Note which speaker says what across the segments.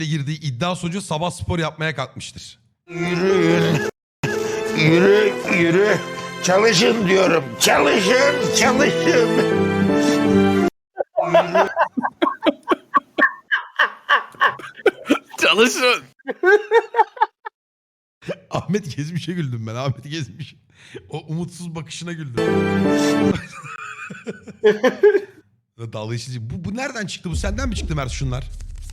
Speaker 1: girdiği iddia sonucu sabah spor yapmaya kalkmıştır.
Speaker 2: Yürüyün. Yürü, yürü. Çalışın diyorum. Çalışın, çalışın.
Speaker 3: Çalışın.
Speaker 1: Ahmet Gezmiş'e güldüm ben. Ahmet Gezmiş. O umutsuz bakışına güldüm. Dalga geçici. Bu nereden çıktı? Bu senden mi çıktı Mert şunlar?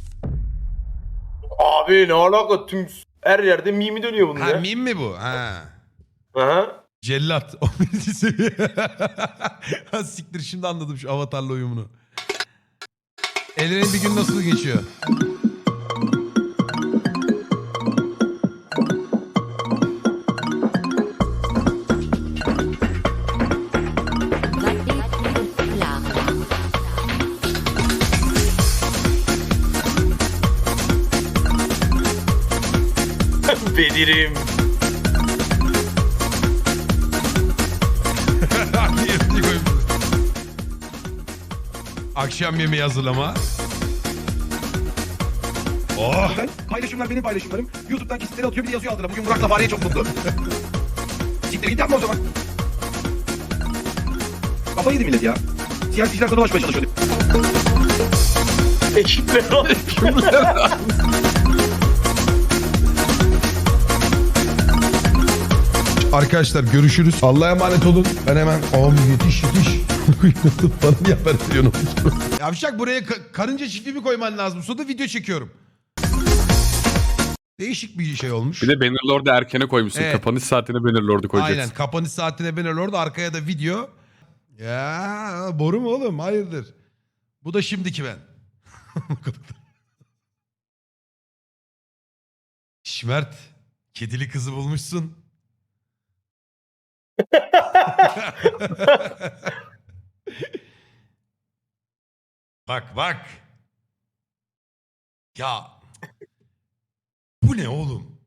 Speaker 4: Abi ne alaka, tüm her yerde mimi dönüyor bunun
Speaker 1: Ha
Speaker 4: ya.
Speaker 1: meme mi bu? Ha.
Speaker 4: Aha.
Speaker 1: Cellat. O birinci seviye. Ha siktir, şimdi anladım şu avatarla uyumunu. Elren'in bir gün nasıl geçiyor?
Speaker 4: Bedirim.
Speaker 1: Akşam yemeği hazırlama. Oh!
Speaker 5: Paylaşımlar benim paylaşımlarım. YouTube'dan kesitleri atıyor, bir de yazıyor altına. Bugün Burak'la Fahriye çok mutlu. Siktir git yapma o zaman. Kafayı yedi millet ya. Siyasiler sana ulaşmaya çalışıyor.
Speaker 4: Ekipler var.
Speaker 1: Arkadaşlar görüşürüz. Allah'a emanet olun. Ben hemen yetiş. Bana niye haber veriyorsun? Yavşak, buraya karınca çiftliği koyman lazım. Sonra video çekiyorum. Değişik bir şey olmuş.
Speaker 3: Bir de Bannerlord'u erkene koymuşsun.
Speaker 1: Evet.
Speaker 3: Kapanış saatine Bannerlord'u koyacaksın.
Speaker 1: Aynen, kapanış saatine Bannerlord, arkaya da video. Ya boru mu oğlum? Hayırdır? Bu da şimdiki ben. Şmert, kedili kızı bulmuşsun. Bak. Ya bu ne oğlum?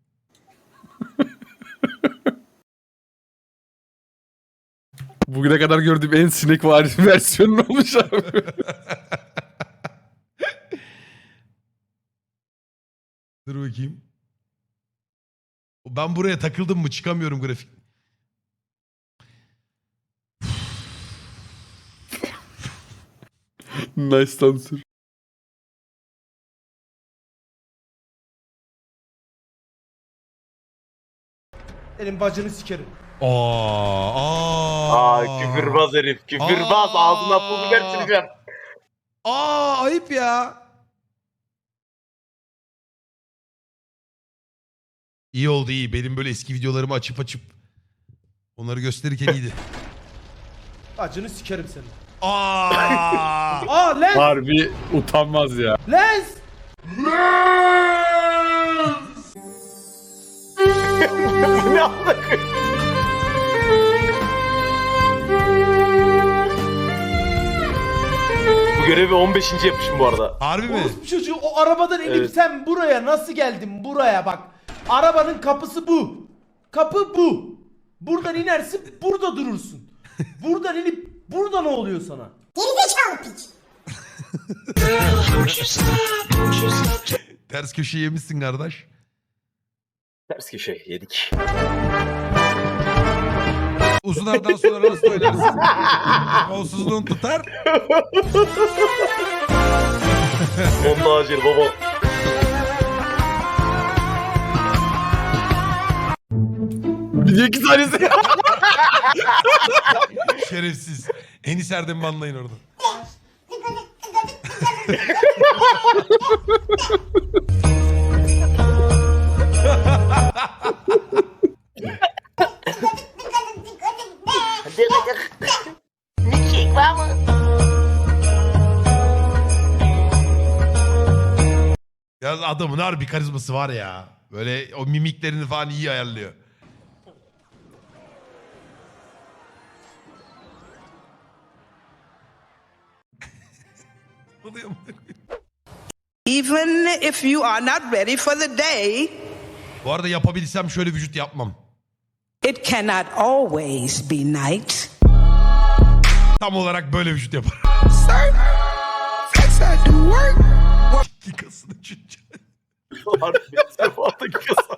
Speaker 3: Bugüne kadar gördüğüm en sinek vari versiyonu olmuş abi.
Speaker 1: Dur bakayım. Ben buraya takıldım mı çıkamıyorum grafik.
Speaker 3: Nice answer.
Speaker 6: Senin bacını sikerim.
Speaker 4: Aa, küfürbaz herif. Küfürbaz. Ağzına pul biber süreceğim.
Speaker 1: Ayıp ya. İyi oldu, iyi. Benim böyle eski videolarımı açıp onları gösterirken iyiydi.
Speaker 6: Bacını sikerim senin.
Speaker 1: Aa!
Speaker 6: Lens!
Speaker 3: Harbi utanmaz ya.
Speaker 6: Lens!
Speaker 4: Ne alaka? Bu görevi 15. yapmışım bu arada.
Speaker 1: Harbi mi?
Speaker 6: Orospu çocuğu, o arabadan inip
Speaker 4: Evet.
Speaker 6: sen buraya nasıl geldin, buraya bak. Arabanın kapısı bu. Kapı bu. Buradan inersin, burada durursun. Buradan inip burada ne oluyor sana?
Speaker 1: Ters köşe yemişsin kardeş.
Speaker 4: Ters köşe yedik.
Speaker 1: Uzun aradan sonra nasıl oynarsın? Kolsuzluğun tutar.
Speaker 4: Onda acil baba.
Speaker 3: Bir iki tanesi.
Speaker 1: Şerefsiz. Enis Erdem'i anlayın orada. Ya adamın harbi karizması var ya. Böyle o mimiklerini falan iyi ayarlıyor.
Speaker 7: Even if you are not ready for the day,
Speaker 1: Bu arada yapabilsem şöyle vücut yapmam.
Speaker 7: it cannot always be night.
Speaker 1: Tam olarak böyle vücut yaparım.
Speaker 7: Sir, flex I do work.
Speaker 1: Yıkasını çünkü.
Speaker 4: Harbi sefardaki kasa.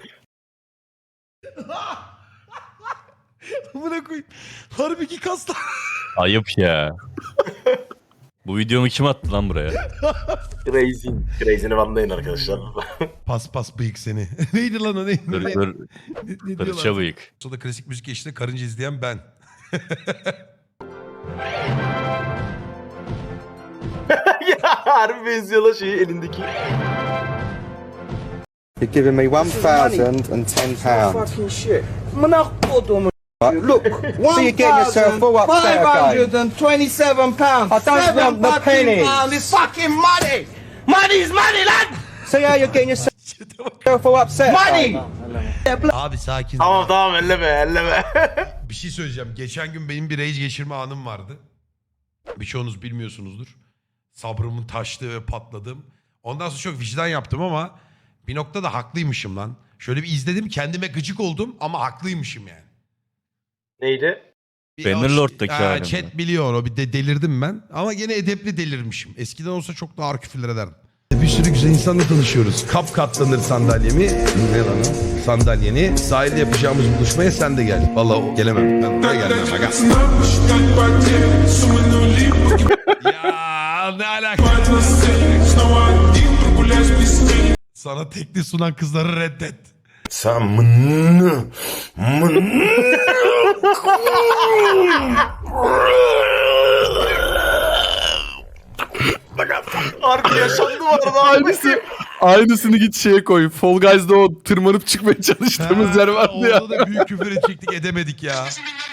Speaker 1: Amına koyayım. Harbi ki kaslar.
Speaker 8: Ayıp ya. Bu videomu kim attı lan buraya?
Speaker 4: Crazy. Crazy'ni banlayın arkadaşlar.
Speaker 1: Pas bıyık seni. Neydi lan o neydi? Ne
Speaker 8: Fırça
Speaker 1: diyorlar?
Speaker 8: bıyık.
Speaker 1: Sonra klasik müzik eşliğinde karınca izleyen ben.
Speaker 4: Ya harbi benziyor lan şeyi elindeki.
Speaker 9: You're giving me £1,010.
Speaker 5: Fucking shit. Mına kodumu. Look,
Speaker 9: So you're getting yourself all upset again.
Speaker 5: £527.
Speaker 9: I don't want the pennies.
Speaker 5: It's fucking money. Money is money, lad.
Speaker 9: See how you're getting yourself all upset
Speaker 5: Money.
Speaker 9: again.
Speaker 1: Abi sakin.
Speaker 4: Tamam elleme.
Speaker 1: Bir şey söyleyeceğim. Geçen gün benim bir rage geçirme anım vardı. Birçoğunuz bilmiyorsunuzdur. Sabrımın taştığı ve patladığım. Ondan sonra çok vicdan yaptım ama bir noktada haklıymışım lan. Şöyle bir izledim, kendime gıcık oldum ama haklıymışım yani.
Speaker 4: Neydi?
Speaker 8: Bannerlord'daki halim mi?
Speaker 1: Chat biliyor o, bir de delirdim ben. Ama gene edepli delirmişim. Eskiden olsa çok daha ağır küfürler ederdim. Bir sürü güzel insanla tanışıyoruz. Kap katlanır sandalyemi. Ne lan o? Sandalyeni. Sahilde yapacağımız buluşmaya sen de gel. Vallahi gelemem. Ben oraya gelmem. Aga. Ya ne alaka? Sana tekli sunan kızları reddet.
Speaker 2: Sen mını
Speaker 4: Harbi yaşandı bu arada.
Speaker 3: Aynısını git şeye koy. Fall Guys'da o tırmanıp çıkmaya çalıştığımız yer vardı ya.
Speaker 1: Orada da büyük küfür edecektik, edemedik ya.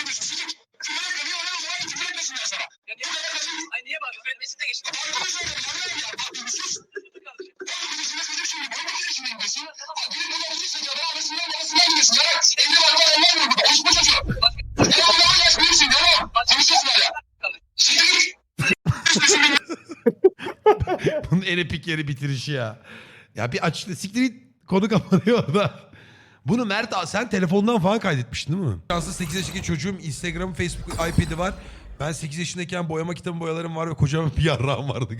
Speaker 1: Bunun en epik yeri bitirişi ya. Ya bir aç, siktir git, konu kapanıyor orada. Bunu Mert sen telefondan falan kaydetmiştin değil mi? Şanslı 8 yaşındaki çocuğum, Instagram, Facebook, iPad'i var. Ben 8 yaşındayken boyama kitabı boyalarım var ve kocaman bir yarrağım vardı.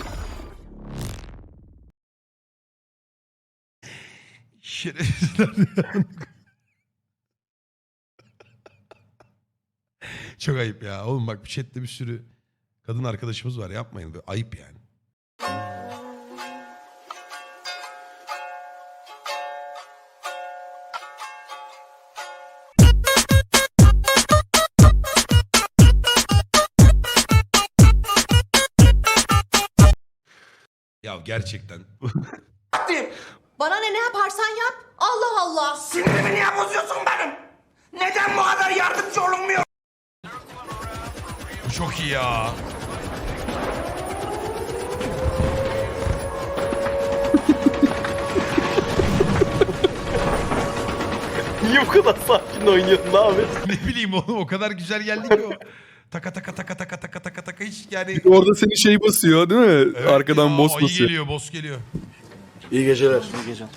Speaker 1: Şerefsizler ya. Çok ayıp ya. Oğlum bak, chatte bir sürü kadın arkadaşımız var. Yapmayın. Böyle ayıp yani. Ya gerçekten.
Speaker 10: Bana ne yaparsan yap. Allah Allah.
Speaker 5: Sinirimi niye bozuyorsun benim? Neden bu kadar yardımcı olunmuyor?
Speaker 1: Bu çok iyi ya.
Speaker 4: Niye bu kadar sakin oynuyorsun abi?
Speaker 1: Ne bileyim oğlum, o kadar güzel geldi ki o. Taka taka taka taka taka taka taka hiç yani.
Speaker 3: Orada seni şey basıyor değil mi?
Speaker 1: Evet
Speaker 3: Arkadan
Speaker 1: ya,
Speaker 3: boss
Speaker 1: ayı
Speaker 3: basıyor.
Speaker 1: geliyor, boss geliyor.
Speaker 4: İyi geceler.
Speaker 3: İyi geceler.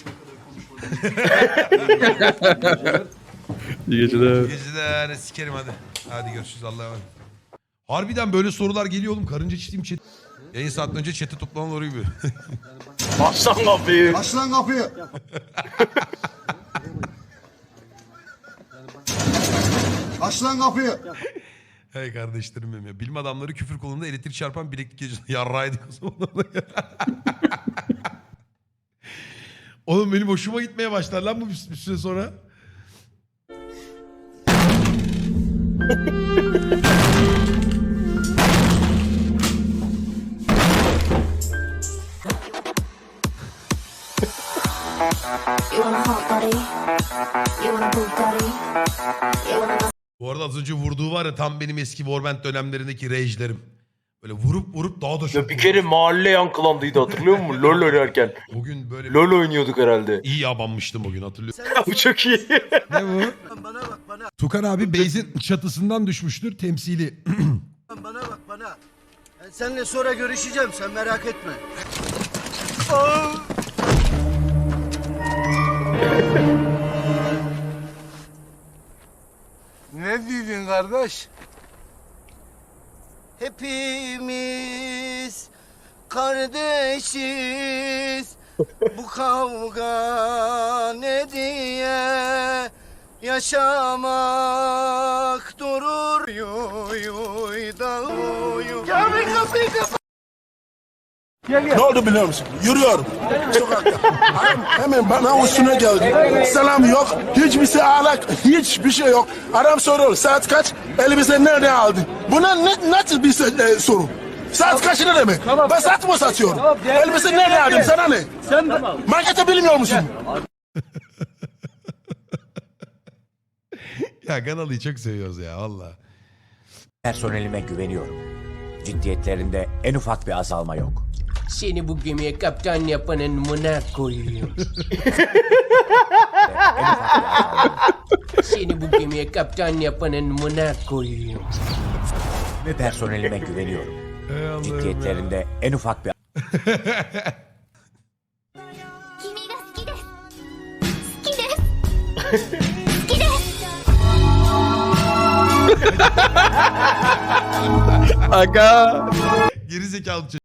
Speaker 1: Geceler sikerim hadi. Hadi görüşürüz, Allah'a emanet. Harbiden böyle sorular geliyor oğlum. Karınca çiftliğim chat. Yayın saat önce chat'e toplanan orayı bir.
Speaker 4: Başlan kapıyı.
Speaker 9: Aç lan kapıyı. Aç lan kapıyı.
Speaker 1: Hey kardeşlerim benim ya. Bilim adamları küfür kolunda elektrik çarpan bileklik gecesinde yarrağıydık o zaman. Oğlum benim hoşuma gitmeye başlar lan bu bir süre sonra. Bu arada az önce vurduğu var ya, tam benim eski Warband dönemlerindeki rage'lerim. Böyle vurup daha da çok.
Speaker 4: Ya bir kere mahalle yankılandıydı, hatırlıyor musun? LoL oynarken.
Speaker 1: Bugün böyle
Speaker 4: LoL oynuyorduk herhalde.
Speaker 1: iyi yabanmıştım bugün, hatırlıyorum.
Speaker 4: Bu çok iyi.
Speaker 1: Ne bu? Tukan abi base'in çatısından düşmüştür temsili.
Speaker 9: Bana bak bana. Ben seninle sonra görüşeceğim, sen merak etme.
Speaker 2: Ne dedin kardeş?
Speaker 9: Hepimiz kardeşiz. Bu kavga ne diye yaşamak durur. Yuy yuy da uyu. Kapıyı kapat.
Speaker 2: Ne oldu biliyor musun? Yürüyorum. Sokakta. Adam hemen bana üstüne geldi. Selam yok. Hiçbir şey alak. Hiçbir şey yok. Adam soruyor saat kaç? Elbise nerede aldın? Buna nasıl bir soru? Saat kaç ne demek? Ben saat mı satıyorum? Elbise nerede aldın? Sana ne? Markete bilmiyor musun?
Speaker 1: Ya Ganalı'yı çok seviyoruz ya valla.
Speaker 5: Personelime güveniyorum. Ciddiyetlerinde en ufak bir azalma yok.
Speaker 6: Seni bu gemiye kaptan yapanın mına koyayım. Seni bu gemiye kaptan yapanın mına koyayım.
Speaker 5: Ve personelime güveniyorum.
Speaker 1: Ey Allah'ım ya.
Speaker 5: Ciddiyetlerinde en ufak bir
Speaker 3: Aga.
Speaker 1: Geri zekalı çocuk.